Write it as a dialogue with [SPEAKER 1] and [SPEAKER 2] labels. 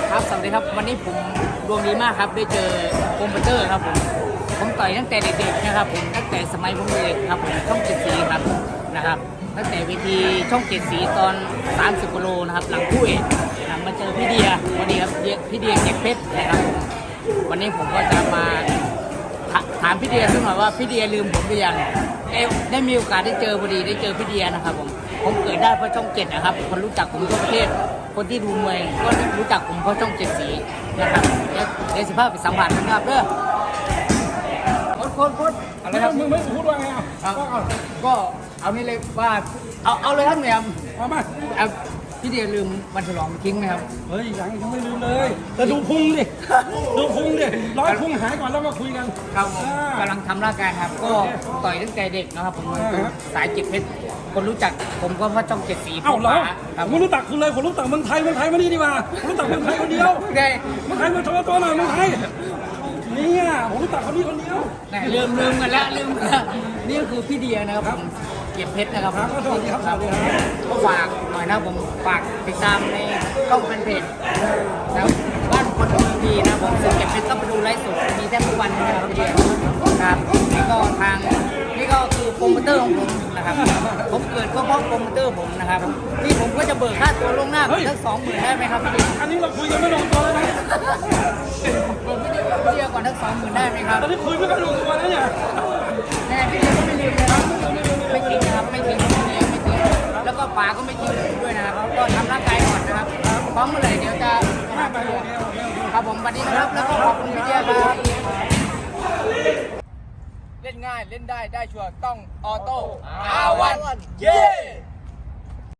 [SPEAKER 1] ครับสวัสดีครับวันนี้ผมดวงดีมากครับได้เจอโปรโมเตอร์ครับผมต่อยตั้งแต่เด็กๆนะครับผมตั้งแต่สมัยผมเด็กครับผมช่อง7 สีครับนะครับตั้งแต่เวทีช่อง7 สีตอน30กิโลนะครับหลังคู่เอกมาเจอพี่เดียวันนี้ครับพี่เดียเก็บเพชรนะครับวันนี้ผมก็จะมาถามพี่เดียซึ่งหน่อยว่าพี่เดียลืมผมหรือยังได้มีโอกาสได้เจอพอดีได้เจอพี่เดียนะครับผมเกิดได้เพราะช่อง7นะครับคนรู้จักผมทั่วประเทศคนที่ดูมวยก็รู้จักผมเพราะช่อง7 สีนะครับเดี๋ยว15ไปสัมผัสนะครับเด้อโค้ดอะไรครับ
[SPEAKER 2] มึงไม่พูดว่าไง
[SPEAKER 1] ก็เอานี่เลยว่าเอาเลยครับเนี่ย
[SPEAKER 2] เอามา
[SPEAKER 1] พี่เดียลืมวันฉลองทิ้งไหมครับ
[SPEAKER 2] เฮ้ยยังไม่ลืมเลยแต่ดูพุงดิดูพุงดิร้อยพุงหายก่อนแล้วมาคุยกัน
[SPEAKER 1] ครับผมกำลังทำร่างกายครับก็ต่อยตั้งแต่เด็กนะครับผมสายจิตเพชรคนรู้จักผมก็เพราะช่อง7 สี
[SPEAKER 2] เอ้าเหรอผมรู้จักคุณเลยผมรู้จักเมืองไทยมานี่ดีกว่าผมรู้จักเมืองไทยคนเดียว
[SPEAKER 1] ได้
[SPEAKER 2] เมืองไทยมาโชว์ตัวหน่อยเมืองไทยนี่ผมรู้จักคนนี้คนเดียว
[SPEAKER 1] ลืมกันแล้วนี่ก็คือพี่เดียนะครับผมเก็บเพชรนะครับ
[SPEAKER 2] สวัสดีครับ
[SPEAKER 1] ก็ฝากหน่อยนะผมฝากติดตามในช่องแฟนเพจแล้วบ้านคนดูดีนะผมซึ่งเก็บเพชรต้องไปดูไลฟ์สดมีแทบทุกวันนะครับพี่เดียครับนี่ก็คือโปรโมเตอร์ของผมนะครับผมเกิดก็เพราะโปรโมเตอร์ผมนะครับนี่ผมก็จะเบิกค่าตัวล่วงหน้าสัก20,000ได้ไหมครับพี่
[SPEAKER 2] อันนี้เราคุยกันไม่ลงตัวเลยนะ
[SPEAKER 1] พี่เดียก่อนสัก20,000ได้ไหมครับ
[SPEAKER 2] ตอนนี้คุยไม่กันลงตัวแล้วเนี่ย
[SPEAKER 1] แน่พี่เดียก็ไม่ลืมนะครับไม่ทิ้งนะครับไม่ทิ้งพี่เดียไม่ทิ้งแล้วก็ป๋าก็ไม่ทิ้งด้วยนะครับก็ทำร่างกายก่อนนะครับพร้อมเมื่อไหร่เดี๋ยวจะครับผมสวัสดีครับแล้วก็ขอบคุณพี่เดียครับเล่นง่ายเล่นได้ชัวร์ต้องออโต้อาวันเย้